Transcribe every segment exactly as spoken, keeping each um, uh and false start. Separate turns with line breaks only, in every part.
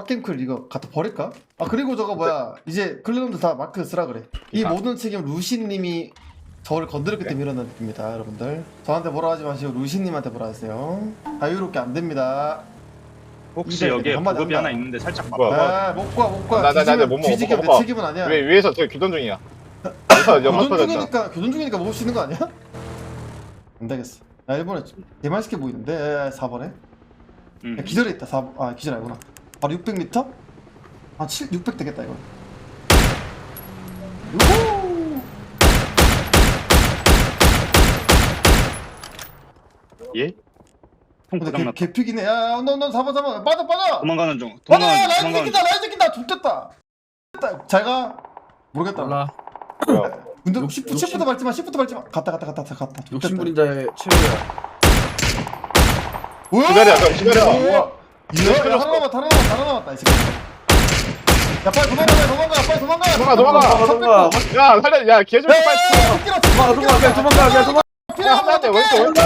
빡겜클 이거 갖다 버릴까? 아 그리고 저거 뭐야 이제 클랜원들 다 마크 쓰라 그래. 이
아.
모든 책임 루시님이 저를 건드렸기 때문에 일어난 겁니다 여러분들. 저한테 뭐라 하지 마시고 루시님한테 뭐라 하세요. 자유롭게 안 됩니다.
혹시
이제
여기에
한마디
보급이
한다.
하나 있는데 살짝
뭐야?
봐봐.
아 못과 못과
나, 나, 나, 나, 못 먹어,
뒤지게
못
내
먹어.
책임은 아니야.
왜 위에서 저기 교전 중이야. 여기서 연막
교전
터졌다.
중이니까 교전 중이니까 먹을 수 있는 거 아니야? 안 되겠어. 야 일본에 개맛있게 보이는데 사 번에
음.
야, 기절에 있다. 사, 아 기절 아니구나. 바로 육백 미터? 아 칠, 육백 되겠다 이거. 우후!
예? 통
근데 개,
고장났다.
개피기네. 야, 너, 너, 잡아, 잡아. 빠져, 빠져!
도망가는 중.
빠져!
도망가는 중.
라인
도망가는 중.
새끼다, 라인 새끼다! 좋됐다! 됐다. 잘 가. 모르겠다.
몰라.
뭐야?
근데
욕-
시프트,
욕심-
시프트 밟지 마, 시프트 밟지 마. 갔다, 갔다, 갔다, 갔다. 갔다.
욕심부린자의 최후야.
우와!
기다려, 형, 기다려.
우와! 야, 야, 하나 남았다, 하나 남았다, 하나 남았다, 이 새끼. 야, 빨리 도망가, 빨리 도망가, 빨리 도망가!
도망가, 도망가.
도망가.
야, 살려, 야, 개좀
야, 야,
빨리
야,
쳐.
새끼라,
도망가, 도망가, 그냥 도망가, 그냥 도망가.
야, 한대 왼쪽, 왼쪽.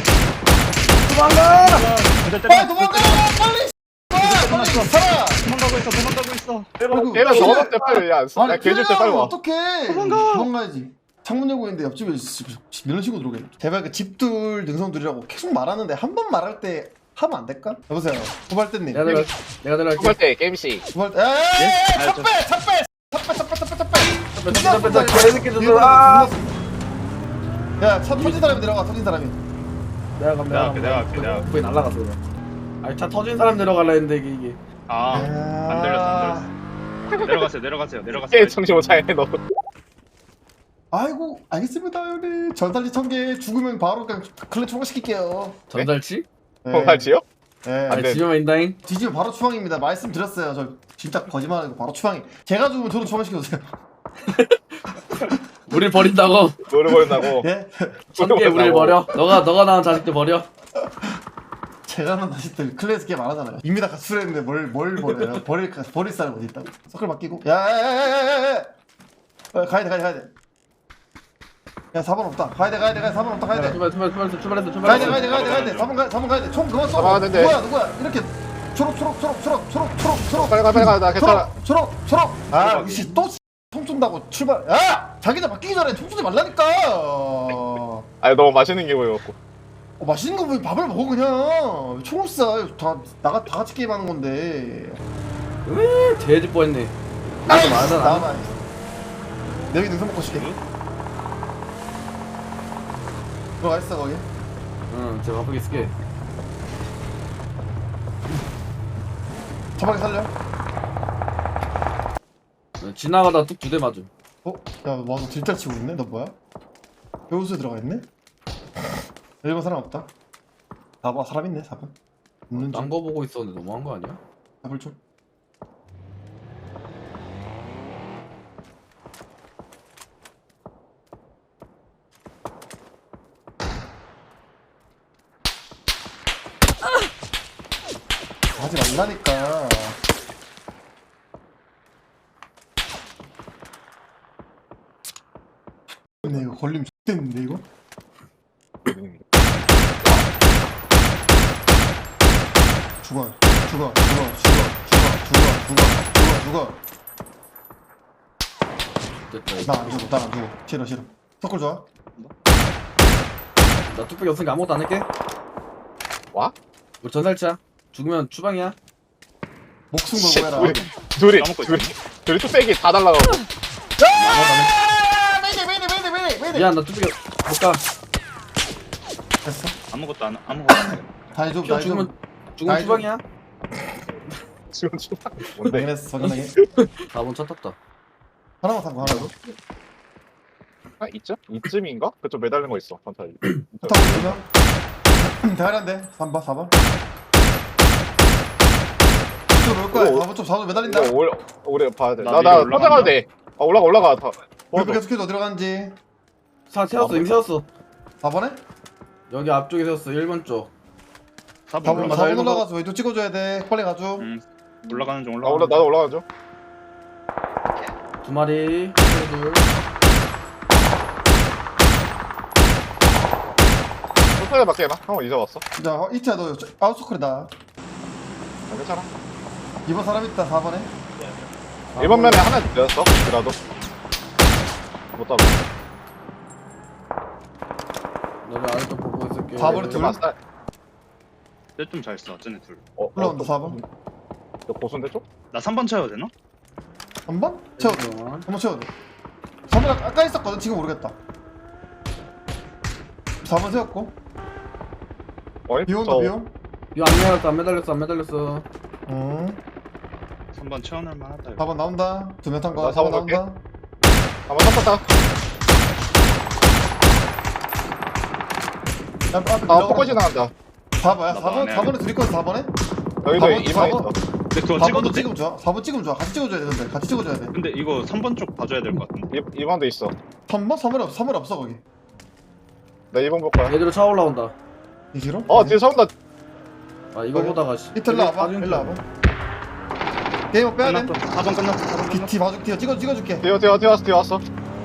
도망가!
빨리 도망가! 빨리! 빨리 살아!
도망가고 있어. 도망가고 있어.
아이고,
얘랑
피해.
넣어놨대, 빨리. 야, 야, 개줄 때 빨리 와.
어떡해.
도망가.
도망가야지. 창문 열고 있는데 옆집에 이런 식으로 들어오게. 제발 그 집둘 능선둘이라고 계속 말하는데 한 번 말할 때 하면 안 될까? 여보세요. 구발대님.
내가 들어, 내가 들어갈게.
후발 때 게임씨.
구발대. 에에에에
아,
차
저-
빼! 차 빼! 차 빼! 차 빼! 차 빼! 차 빼!
뺐다, 뺐다, 뺐다. 개새끼들. 아!
야, 차 터진 사람이 내려가. 터진 사람이.
내가 감,
내가 할게, 내가 할게, 내가 할게.
거기 날라갔어, 그냥. 아니, 차 터진 사람 내려갈라 했는데, 이게. 이게.
아, 안 들렸어. 안 들렸어. 내려가세요. 내려가세요. 내려가세요.
게 정신 못 차리네, 너.
아이고, 알겠습니다, 형님. 전달리 천개 죽으면 바로 그냥 클랜 초과시킬게요.
전달치?
후발지요?
네.
아니,
돼.
지면 인다잉.
뒤지면 바로 추방입니다. 말씀드렸어요. 저 진짜 거짓말하고 바로 추방이. 제가 죽으면 저도 추방시켜주세요.
우릴 버린다고.
노래 버린다고.
예?
천개 우릴 버려. 너가, 너가 낳은 자식들 버려.
제가 난 자식들 클래스 게임 안 하잖아요. 이미 다 가출했는데 뭘, 뭘 버려요? 버릴, 버릴 사람 어디 있다고? 서클 맡기고. 야야야야야야! 가야돼, 가야돼, 가야돼. 야, 사 번 없다. 가야돼, 가야돼, 가야돼. 사 번 없다. 가야돼.
출발, 출발, 출발했어, 출발했어,
가야돼,
출발했어.
가야돼, 가야돼, 가야돼. 사 번 가, 사 번 가야돼. 총 그만 써.
잡아야 되는데.
누구야, 누구야? 이렇게 초록, 초록, 초록, 초록, 초록, 초록, 초록.
빨리 가, 빨리 가. 나 괜찮아.
초록, 초록, 초록. 아, 혹시 또 총 쏜다고 출발. 야! 자기들 바뀌기 전에 총 쏘지 말라니까. 어,
아니, 너무 맛있는 게 보여갖고.
맛있는 거 보면 밥을 먹어 그냥. 총을 쏴. 다 나가 다 같이 게임하는 건데.
으, 돼지 뻔했네.
아이,
맞아, 나.
나만. 여기 능선 먹고 싶게. 들어가 있어 거기.
응, 제가 바쁘게 있을게.
저방에 살려.
지나가다 뚝 두 대 맞음.
어? 야, 와서 딜짝 치고 있네. 너 뭐야? 배우수에 들어가 있네. 일 번 사람 없다. 사 번 사람 있네. 사 번. 있는 중.
딴 거 보고 있었는데 너무한 거 아니야?
잡을 좀. 하지 말라니까. 근데 이거 걸리면 X됐는데 이거? 죽어 죽어 죽어 죽어 죽어 죽어 죽어 죽어
됐다.
나안 죽어 나안 죽어 싫어 싫어 서클 좋아?
나 뚝배기 없으니까 아무것도 안 할게.
와?
우리 전살치야. 죽으면 추방이야.
목숨
씨,
걸고 해라
둘이, 둘이,
까먹고
둘이, 둘이 뚝배기 다 달라가고.
아! 메이데 메이데 메이데 메이데 메이데
미안, 나 뚝배기 못 가.
됐어
아무것도 안 아무것도 안 해.
다해줘
형
다해줘
죽으면 죽으면
나이도-
추방이야.
지금 추방. 뭔데?
확인했어 확인하게
사 번 차 탔다.
하나만 탄거 하나 더
아, 이쯤? 이쯤인가? 그쪽 매달린 거 있어, 판타지.
타고 있으면 대가리한데 삼 번 사 번 이쪽으로 올 거야
오.
사 번 좀 사 번 매달린다
이거 오래, 오래 봐야 돼.
나
나,
위로
나,
올라간다.
혼자 돼. 아, 올라가, 올라가. 다.
몇
도와줘.
계속해서 어디로 가는지
차 세웠어, 이미 세웠어.
사 번에?
여기 앞쪽에 세웠어, 일 번 쪽.
사
사번
번
올라가.
사 번 올라가서 왼쪽 찍어줘야 돼 빨리 가줘
음, 올라가는 중
아,
올라가.
올라, 나도 올라가죠.
두 마리, 둘.
천천히 밖에 해봐. 한번 잊어봤어.
자 이차 너 아웃서클이다
아, 괜찮아.
이번 사람 있다 사 번에.
이번 면에 하나 내었어. 그라도 못 잡아.
너네 아래쪽 보고 있을게.
사 번에 둘.
맞다.
쟤좀잘 써. 쟤네 둘.
어,
올라온다 사 번.
저 고순대 쪽?
나 삼 번 쳐야 되나?
한 번? 채워도 돼.
잠깐만.
한번 채워도 돼. 사 번 아까 있었거든. 지금 모르겠다. 사 번 세웠고.
어이?
비 온다
저
비 온.
이거 안 매달렸어 안 매달렸어 안 매달렸어.
응.
삼 번 채워낼 만하다. 이거.
사 번 나온다. 두 명 탄 거.
나
사 번
사 번 갈게.
나온다.
한번 섞었다.
야, 앞에
아, 포커 지나간다.
사 번야.
나
사 번?
안 해.
사 번에 둘 있거든 사 번에?
여기도
사 번,
이번에
사 번.
있어.
근데 그거
사
찍어도
번도
돼?
찍으면 좋아. 사 번 찍으면 좋아. 같이 찍어줘야 돼 근데. 같이 찍어줘야 돼.
근데 이거 삼 번 쪽 봐줘야 될 것 같은데.
이, 이번도 있어.
삼 번? 삼 번에 없어. 삼 번에 없어 거기.
나 이번 볼 거야.
얘들로 차 올라온다.
이 길어?
어, 뒤에 서온다.
아 이거 보다가 씨.
이틀 일로 와봐. 일로 와봐. 게임 빼야 돼.
끝났어. 사 번 끝났어. 사 번 끝났어.
뒤 봐줄게. 뒤에 찍어 찍어줄게.
뒤에, 뒤에, 뒤에 왔어, 뒤에 왔어.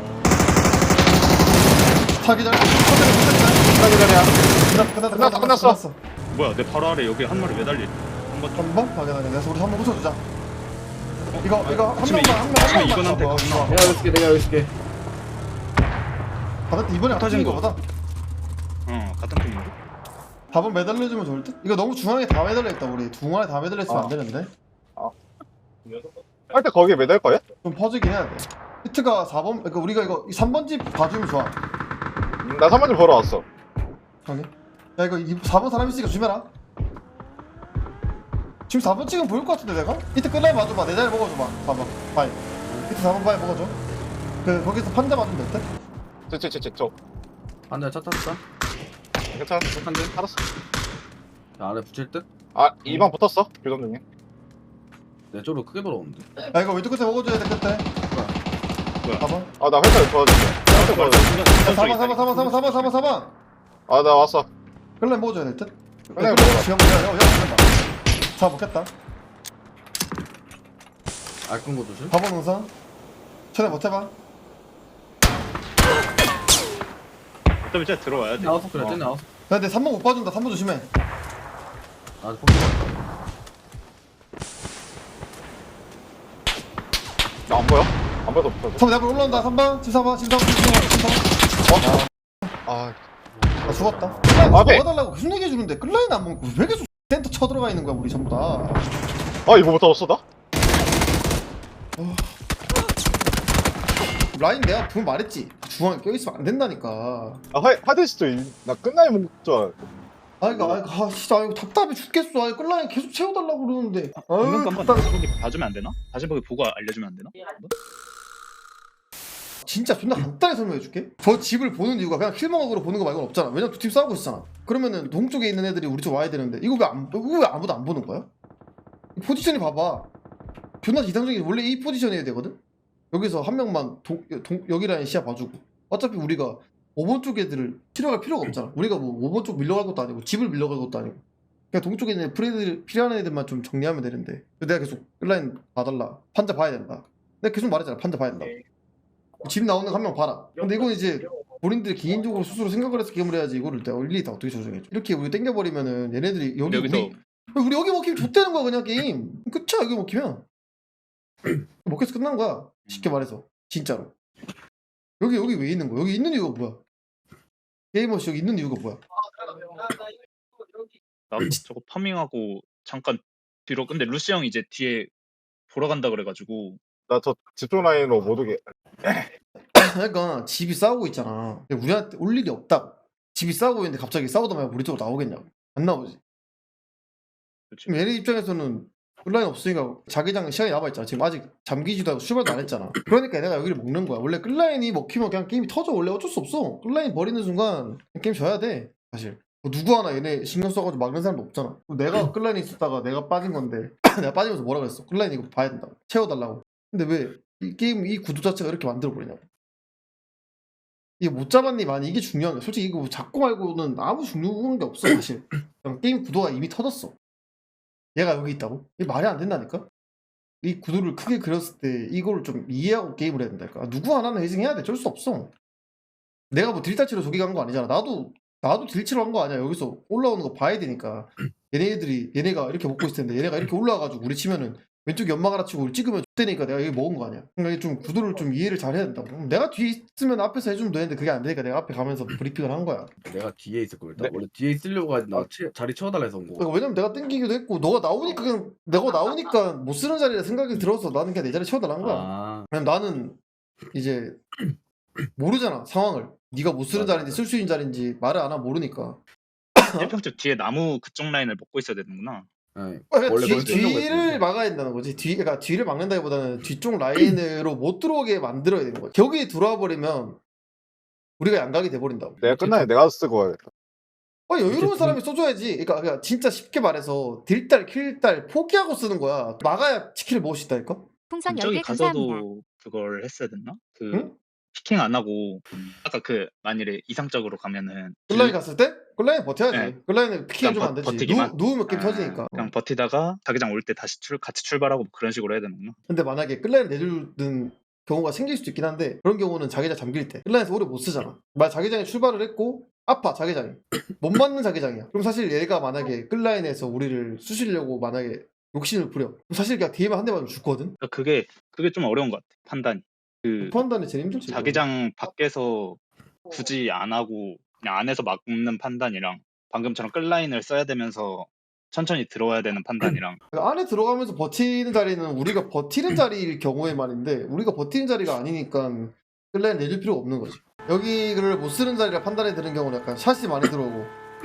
타기 전에.
기다려, 기다려.
끝났다 끝났다
끝났어, 끝났어.
끝났어.
뭐야 내 바로 아래 여기 한 마리 매달리. 한번 좀.
한 번? 확인하게. 그래서 우리 한 번 붙여주자. 이거 이거 한
아침에
명만 한 명 한
아침에
명만.
이건한테
잡아.
겁나.
이거.
내가 여기 있을게 내가 여기 있을게.
받았다. 이번에 안
터진
터진
거.
거보다
어 같은 팀인데.
사 번 매달려주면 좋을 듯? 이거 너무 중앙에 다 매달려있다 우리. 중앙에 다 매달려있으면
아.
안 되는데.
할 때 거기에 매달 거야?
좀 퍼지긴 해야 돼. 히트가 사 번, 그러니까 우리가 이거 삼 번 집 봐주면 좋아.
음, 나 삼 번 좀 보러 왔어.
형님. 야 이거 사 번 사람 있으니까 조심해라. 지금 사 번 찍으면 보일 것 같은데 내가? 히트 끝나면 봐줘봐. 내 자리 먹어줘봐. 사 번 바이. 히트 사 번 바이 먹어줘. 그 거기서 판자 맞으면 될 듯?
저, 저, 저, 저, 저.
한대 차 탔어.
괜찮아.
한 대.
알았어.
야, 안에 붙일 듯?
아, 이번 붙었어. 교전 중에.
내 쪽으로 크게 돌아오는데.
야 이거 왼쪽 끝에 먹어줘야 돼 끝에.
뭐야?
사 번.
아, 나 회사에 도와줄게. 나 회사에 도와줄게.
사 번 사 번 사 번 사 번 사 번 사 번 사 번.
아, 나 왔어.
끌래 먹어줘야 될 듯?
끌래
끌래
먹어라.
지금 야 야, 야, 먹는다. 사 먹겠다.
알끈 거 조심.
사 번 응선. 최대 버텨봐.
어차피 쟤 들어와야 돼.
나왔어 그래
어.
쟤 나왔어.
야 근데 삼 번 못 봐준다. 삼 번 조심해.
아직 포기.
나 안 보여? 안 보여서 붙어줘.
삼 번 내 앞으로 올라온다. 삼 번. 칠 사 번. 칠 사 번. 칠 사 번.
아,
나 죽었다.
아, 네.
먹어달라고 계속 얘기해주는데 끌라인 안 먹고 왜 계속 센터 쳐들어가 있는 거야 우리 전부 다.
아, 이거 못 잡았어, 나?
라인 내가 분 말했지. 중앙에 껴있으면 안 된다니까.
아, 하, 하드시도 나 끝나야 먹자.
아 이거 아 이거 아, 진짜 이거 답답해 죽겠어. 아 끌라인 계속 채워달라고 그러는데.
방금
아유
한번
답답해.
다시 보기 봐주면 안 되나? 다시 보기 보고 알려주면 안 되나?
진짜 존나 간단히 설명해줄게. 저 집을 보는 이유가 그냥 킬먹으로 보는 거 말고는 없잖아. 왜냐면 두 팀 싸우고 있잖아. 그러면은 동쪽에 있는 애들이 우리 쪽 와야 되는데 이거 왜 안, 이거 왜 아무도 안 보는 거야? 이 포지션이 봐봐. 존나 이상적인 원래 이 포지션이어야 되거든. 여기서 한 명만 동, 동, 여기 라인 시야 봐주고. 어차피 우리가 오 번 쪽 애들을 치러갈 필요가 없잖아. 우리가 뭐 오 번 쪽 밀려갈 것도 아니고 집을 밀려갈 것도 아니고. 그냥 동쪽에 있는 프레들 필요한 애들만 좀 정리하면 되는데. 내가 계속 끌라인 봐달라. 판자 봐야 된다. 내가 계속 말했잖아. 판자 봐야 된다. 집 나오는 거 한 명 봐라. 근데 이건 이제 본인들이 개인적으로 스스로 생각을 해서 게임을 해야지 이거를 내가 일일이 다 어떻게 조정해줘. 이렇게 우리 땡겨버리면은 얘네들이 여기
여기서
우리 우리 여기 먹히면 좆되는 거야 그냥 게임. 끝이야 여기 먹히면. 먹혀서 끝난 거야. 쉽게 말해서 진짜로. 여기 여기 왜 있는 거야? 여기 있는 이유가 뭐야? 게이머씨 여기 있는 이유가 뭐야?
나도 저거 파밍하고 잠깐 뒤로. 근데 루시 형 이제 뒤에 보러 간다 그래가지고.
나 저 집중 라인으로 못 오게.
그러니까 집이 싸우고 있잖아. 근데 우리한테 올 일이 없다고. 집이 싸우고 있는데 갑자기 싸우다 말고 우리 쪽으로 나오겠냐고. 안 나오지.
그치.
지금 얘네 입장에서는 끌라인 없으니까 자기장 시간이 남아있잖아. 지금 아직 잠기지도 않고 출발도 안 했잖아. 그러니까 내가 여기를 먹는 거야. 원래 끌라인이 먹히면 그냥 게임이 터져. 원래 어쩔 수 없어. 끌라인 버리는 순간 게임 져야 돼. 사실. 뭐 누구 하나 얘네 신경 써가지고 막는 사람도 없잖아. 내가 끌라인이 있었다가 내가 빠진 건데 내가 빠지면서 뭐라 그랬어. 끌라인 이거 봐야 된다고. 채워달라고. 근데 왜 이 게임 이 구도 자체가 이렇게 만들어버리냐고. 이게 못 잡았니 많이 이게 중요한 거야. 솔직히 이거 잡고 말고는 아무 중요한 게 없어 사실. 그냥 게임 구도가 이미 터졌어. 얘가 여기 있다고? 이게 말이 안 된다니까? 이 구도를 크게 그렸을 때 이걸 좀 이해하고 게임을 해야 된다니까. 누구 하나는 회생해야 돼. 어쩔 수 없어. 내가 뭐 딜타치로 저기 간 거 아니잖아. 나도 나도 딜치로 한 거 아니야. 여기서 올라오는 거 봐야 되니까. 얘네들이 얘네가 이렇게 먹고 있을 텐데 얘네가 이렇게 올라와가지고 우리 치면은 왼쪽 연막 하나 치고 우리 찍으면 X되니까 내가 여기 먹은 거 아니야. 그러니까 이게 좀 구도를 좀 이해를 잘 해야 된다고. 내가 뒤에 있으면 앞에서 해주면 되는데 그게 안 되니까 내가 앞에 가면서 브리핑을 한 거야.
내가 뒤에 있을 걸. 나
네.
원래 뒤에 있으려고 하지 나 치- 자리 채워달라 해서 온 거.
그러니까 왜냐면 내가 땡기기도 했고 너가 나오니까 그냥 내가 나오니까 못 쓰는 자리라 생각이 들어서 나는 그냥 내 자리 채워달라는 거야.
아,
왜냐면 나는 이제 모르잖아 상황을. 네가 못 쓰는
맞아,
자리인지 쓸 수 있는 자리인지 말을 안 하면 모르니까.
일 평집 뒤에 나무 그쪽 라인을 먹고 있어야 되는구나.
네.
그러니까
원래
뒤,
그걸 쓰려고
뒤를
했는데.
막아야 된다는 거지. 뒤, 그러니까 뒤를 막는다기보다는 뒤쪽 라인으로 못 들어오게 만들어야 되는 거지. 거기 들어와 버리면 우리가 양각이 돼 버린다고.
내가 끝나야 내가 쓰고 와야겠다.
아, 여유로운
이렇게
사람이 써줘야지. 그러니까, 그러니까 진짜 쉽게 말해서 딜달, 킬달 포기하고 쓰는 거야. 막아야 치킨을 먹을 수 있다니까.
풍선 열
저기
개 감사합니다.
가서도 그걸 했어야 됐나? 그
응?
피킹 안 하고 아까 그 만일에 이상적으로 가면은
끌라인 갔을 때? 끌라인 버텨야지.
네.
끌라인은 피킹 해주면 안
그냥
되지.
버티기만?
누, 누우면 게임
아,
터지니까.
그냥 버티다가 자기장 올 때 다시 출, 같이 출발하고 뭐 그런 식으로 해야 되는구나.
근데 만약에 끌라인 내주는 경우가 생길 수도 있긴 한데 그런 경우는 자기장 잠길 때 끌라인에서 오래 못 쓰잖아. 만약 자기장에 출발을 했고 아파 자기장이 못 맞는 자기장이야. 그럼 사실 얘가 만약에 끌라인에서 우리를 쑤시려고 만약에 욕심을 부려. 그럼 사실 그냥 뒤에만 한 대 맞으면 죽거든.
그러니까 그게 그게 좀 어려운 것 같아. 판단이. 그
판단이 제일 힘들지.
자기장 밖에서 굳이 안 하고 그냥 안에서 막는 판단이랑 방금처럼 끌라인을 써야 되면서 천천히 들어와야 되는 판단이랑
그러니까 안에 들어가면서 버티는 자리는 우리가 버티는 자리일 경우에 말인데 우리가 버티는 자리가 아니니까 끌라인 내줄 필요가 없는 거지. 여기를 못 쓰는 자리라 판단이 드는 경우는 약간 샷이 많이 들어오고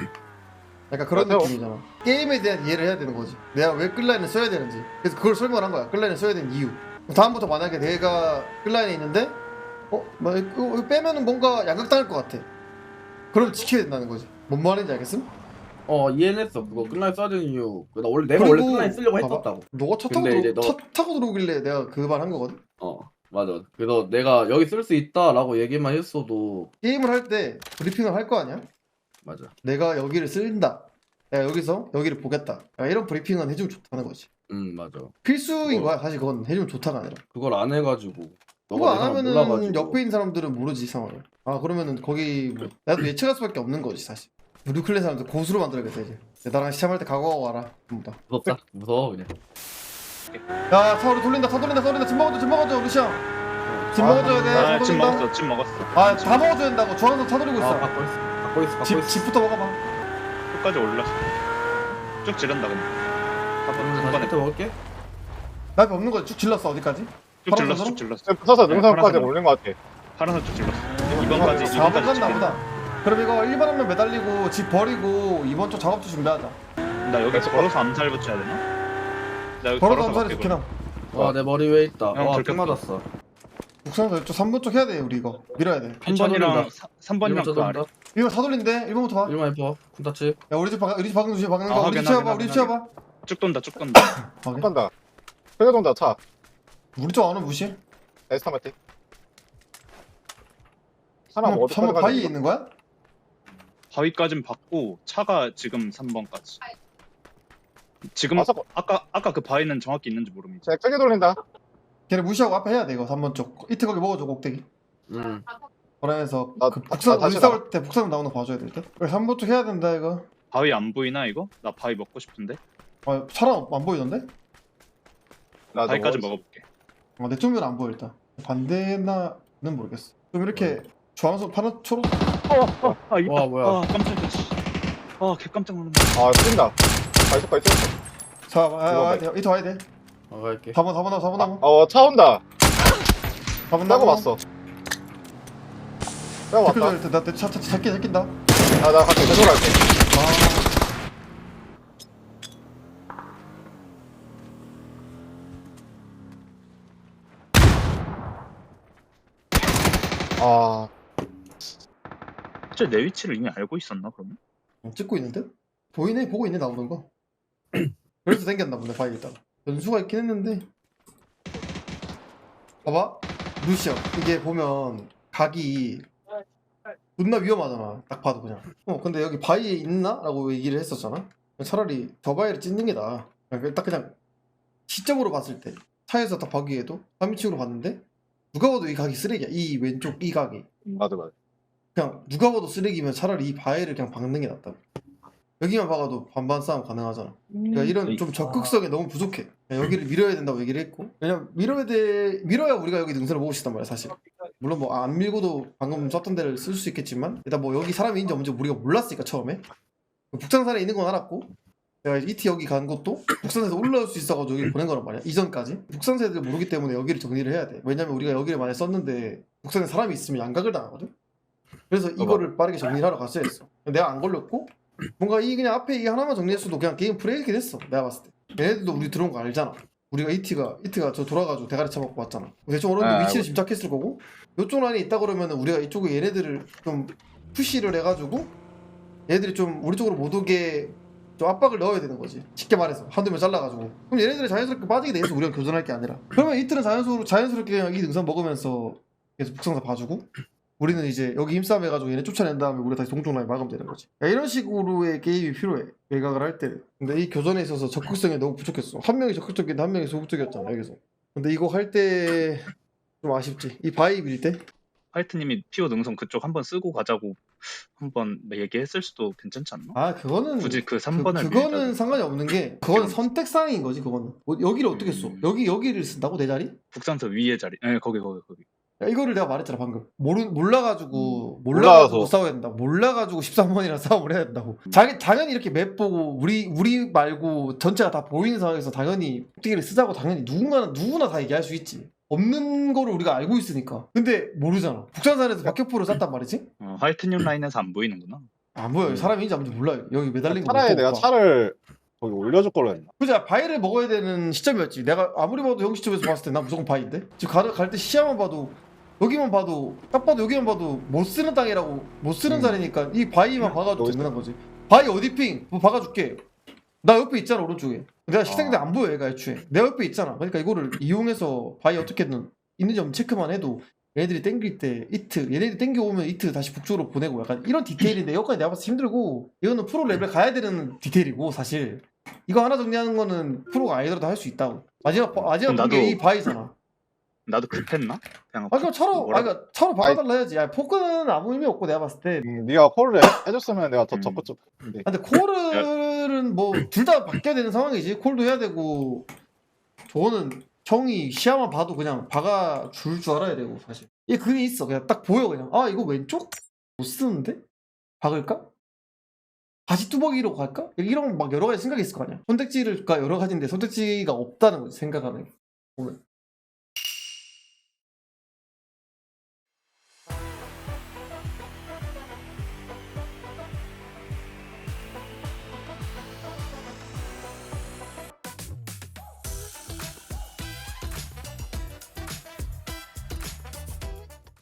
약간 그런
맞아요.
느낌이잖아. 게임에 대한 이해를 해야 되는 거지. 내가 왜 끌라인을 써야 되는지. 그래서 그걸 설명을 한 거야. 끌라인을 써야 되는 이유. 다음부터 만약에 내가 끌라인에 있는데 어? 뭐 이거 이거 빼면은 뭔가 양각당할 것 같아. 그럼 지켜야 된다는 거지. 뭔 말인지 알겠음?
어 이해했어. 그거 끝날 써야 되는 이유. 나 원래 내가 원래 끝날 쓰려고
봐봐.
했었다고.
너가 차 타고,
근데 이제
들어,
너-
차 타고 들어오길래 내가 그 말 한 거거든.
어 맞아. 그래서 내가 여기 쓸 수 있다라고 얘기만 했어도
게임을 할 때 브리핑을 할 거 아니야?
맞아.
내가 여기를 쓴다. 내가 여기서 여기를 보겠다. 야, 이런 브리핑은 해주면 좋다는 거지.
음 맞아.
필수인
그거-
거야. 사실 그건 해주면 좋다가 아니라.
그걸 안 해가지고
그거
너가
안
내 상황
하면은
몰라가지고.
옆에 있는 사람들은 모르지 상황을. 아 그러면은 거기 뭐 나도 예측할 수밖에 없는 거지 사실. 뉴클레 사람들 고수로 만들어야겠다 이제. 나랑 시참할 때 각오하고 와라. 전부 다.
무섭다. 무서워 그냥.
야 차오리 돌린다. 차 돌린다. 차 돌린다. 짐 먹어줘. 짐 먹어줘. 루시앙. 짐 먹어줘야 돼.
아,
차
찜
돌린다.
먹었어, 찜 먹었어.
아 다 먹어줘야 된다고. 중앙선 차 돌리고
아
있어.
갖고 있어. 갖고 있어. 갖고
집,
있어.
집부터 먹어봐.
끝까지 올렸어. 쭉 지른다 근데.
음,
한
다시
번에
끝에 먹을게.
나 앞에 없는 거 쭉 질렀어. 어디까지?
쭉 질렀어, 쭉 질렀어.
붙어서 능선까지
파란색으로.
올린 것 같아.
파란색 쭉 질렀어. 이번까지
사 번
이번까지
갔나
지키는.
보다. 그럼 이거 일 번 한 명 매달리고 집 버리고 이번 쪽 작업도 준비하자.
나 여기 걸어서 암살 붙여야 되나? 나 여기
걸어서
걸어서
암살이
갈게,
좋긴 함.
와 내 머리 위에 있다.
형,
와
들켰다.
총 맞았어.
북산에서 이쪽 삼 번 쪽 해야 돼 우리 이거. 밀어야 돼.
삼 번이랑
돌린다.
삼 번이랑 그 아래.
이거 다 돌린대. 일 번부터 봐.
일만 해봐. 쿤타치.
야 우리 집 박, 우리 집 박는 주시 박는
아,
거. 우리
확인,
집 치워봐.
확인,
우리 집
확인,
치워봐.
쭉 돈다, 쭉 돈다.
확인.
간다. 회전동다 차.
우리 쪽 안은 무시해.
에스타마틱. 하나
한번
뭐 어디
한번 바위에 있는 거야?
바위까진 받고 차가 지금 삼 번까지. 지금
아, 잠깐.
아까 아까 그 바위는 정확히 있는지 모릅니다.
제 크게 돌린다.
걔네 무시하고 앞에 해야 돼 이거 삼 번 쪽. 이트 거기 먹어줘 꼭대기.
음.
그러면서
나-
그 북산
나
우리
다시
싸울 때 북산 나오는 거 봐줘야 될 듯. 그래 삼 번 쪽 해야 된다 이거.
바위 안 보이나 이거? 나 바위 먹고 싶은데.
아 차랑 안 보이던데?
나
바위까지
저거
먹어볼게.
어, 내 쪽면 안 보여 일단. 반대나는 모르겠어. 좀 이렇게 주황색 파란 초록.
아 있다.
와, 뭐야.
아 깜짝이야. 아개 깜짝 놀랐네.
아 뛴다. 발속가 있었어.
자 아,
이거
와야 돼. 이트 와야 돼.
어 갈게.
사 번 사 번 나무 사 번 나무.
어차 온다.
사 번
따고
나무.
왔어. 따고 왔다.
댓글 나차 차 잡기 잡긴다.
아나 갈게. 되돌아갈게. 아
진짜 내 위치를 이미 알고 있었나 그러면?
어, 찍고 있는데? 보이네 보고 있네 나오는 거. 그래서 생겼나 보네 바위 있다가. 연수가 있긴 했는데. 봐봐 루시오 이게 보면 각이 존나 위험하잖아 딱 봐도 그냥. 어 근데 여기 바위에 있나? 라고 얘기를 했었잖아. 차라리 저 바위를 찢는 게 나아. 그냥 딱 그냥 시점으로 봤을 때 차에서 딱 보기에도 삼 인칭으로 봤는데 누가 봐도 이 각이 쓰레기야. 이 왼쪽 이 각이
맞아 맞아.
그냥 누가 봐도 쓰레기면 차라리 이 바위를 그냥 박는 게 낫다. 여기만 박아도 반반 싸움 가능하잖아. 그러니까 이런 좀 적극성이 너무 부족해. 그냥 여기를 밀어야 된다고 얘기를 했고, 왜냐면 밀어야 돼 밀어야 우리가 여기 능선을 먹을 수 있단 말이야 사실. 물론 뭐 안 밀고도 방금 썼던 데를 쓸 수 있겠지만 일단 뭐 여기 사람이 있는지 없는지 우리가 몰랐으니까 처음에 북상산에 있는 건 알았고, 내가 이티 여기 간 것도 북산에서 올라올 수 있어가지고 여기 보낸 거란 말이야 이전까지. 북산세들 모르기 때문에 여기를 정리를 해야 돼. 왜냐면 우리가 여기를 만약 썼는데 북산에 사람이 있으면 양각을 당하거든. 그래서 이거를 빠르게 정리를 하러 갔어야 했어. 내가 안 걸렸고 뭔가 이 그냥 앞에 이 하나만 정리했어도 그냥 게임 플레이긴 했어 내가 봤을 때. 얘네들도 우리 들어온 거 알잖아. 우리가 이티가 이티가 저 돌아가지고 대가리 쳐먹고 왔잖아. 대충 어느 정도
아,
위치를
알고.
짐작했을 거고, 이쪽 라인에 있다 그러면은 우리가 이쪽에 얘네들을 좀 푸시를 해가지고 얘네들이 좀 우리 쪽으로 못 오게 좀 압박을 넣어야 되는 거지. 쉽게 말해서 한두 명 잘라가지고. 그럼 얘네들이 자연스럽게 빠지게 돼서 우리가 교전할 게 아니라, 그러면 이틀은 자연스럽게 자연스럽게 그냥 이 능선 먹으면서 계속 북상사 봐주고, 우리는 이제 여기 힘싸움 해가지고 얘네 쫓아낸 다음에 우리가 다시 동쪽 라인 막으면 되는 거지. 야, 이런 식으로의 게임이 필요해 외곽을 할 때. 근데 이 교전에 있어서 적극성이 너무 부족했어. 한 명이 적극적인데 한 명이 소극적이었잖아 여기서. 근데 이거 할 때 좀 아쉽지. 이 바위 밀 때.
화이트님이 피오 능선 그쪽 한번 쓰고 가자고 한번 얘기했을 수도 괜찮지 않나?
아 그거는
굳이 그
그,
삼 번을
그거는 상관이 없는 게, 그건 선택사항인 거지. 그거는 뭐 여기를 어떻게 써?
음.
여기 여기를 쓴다고 내 자리?
북산서 위에 자리. 네, 거기 거기 거기.
야, 이거를 내가 말했잖아 방금. 모르 몰라가지고 몰라가지고
몰라서.
싸워야 된다고. 몰라가지고 십삼 번이랑 싸움을 해야 된다고. 자기 당연히 이렇게 맵 보고 우리 우리 말고 전체가 다 보이는 상황에서 당연히 폭대기를 쓰자고 당연히 누군가는 누구나 다 얘기할 수 있지. 없는 거를 우리가 알고 있으니까. 근데 모르잖아. 북산산에서 박격포를 쐈단 말이지.
어, 화이트님 라인에서 안 보이는구나.
안 보여. 사람이 있는지 안 보이는지 몰라요. 여기 매달린 거.
차라리
못
내가
봐.
차를 거기 올려줄 걸로 했나?
그지? 바위를 먹어야 되는 시점이었지. 내가 아무리 봐도 형 시점에서 봤을 때 난 무조건 바위인데. 지금 갈 때 시야만 봐도, 여기만 봐도, 딱 봐도 여기만 봐도 못 쓰는 땅이라고, 못 쓰는
음.
자리니까 이 바위만 박아도
여기
든든한 거지. 바위 어디 핑? 뭐 박아줄게. 나 옆에 있잖아 오른쪽에. 내가 식생인데
아.
안 보여 얘가 애초에. 내 옆에 있잖아. 그러니까 이거를 이용해서 바위 어떻게든 있는지 없는지 체크만 해도 얘네들이 땡길 때 이트, 얘네들이 땡겨오면 이트 다시 북쪽으로 보내고, 약간 이런 디테일인데 여기까지 내가 봤을 때 힘들고, 이거는 프로 레벨 가야 되는 디테일이고 사실 이거 하나 정리하는 거는 프로가 아니더라도 할 수 있다고. 마지막 바- 마지막
그럼
게
나도-
이 바위잖아.
나도 급했나? 그냥
아 그럼 차로,
뭐라-
아 그러니까 차로 박아달라 해야지. 야 포크는 아무 의미 없고 내가 봤을 때.
음, 네가 콜을 해- 해줬으면 내가 더
음.
적극적. 근데
아, 근데 콜은 뭐 둘 다 바뀌어야 되는 상황이지. 콜도 해야 되고, 저거는 형이 시야만 봐도 그냥 박아줄 줄 알아야 되고 사실. 이게 그게 있어. 그냥 딱 보여 그냥. 아 이거 왼쪽? 못 쓰는데? 박을까? 다시 뚜벅이로 갈까? 이런 막 여러 가지 생각이 있을 거 아니야. 선택지가 여러 가지인데 선택지가 없다는 거지 생각하는 게. 보면.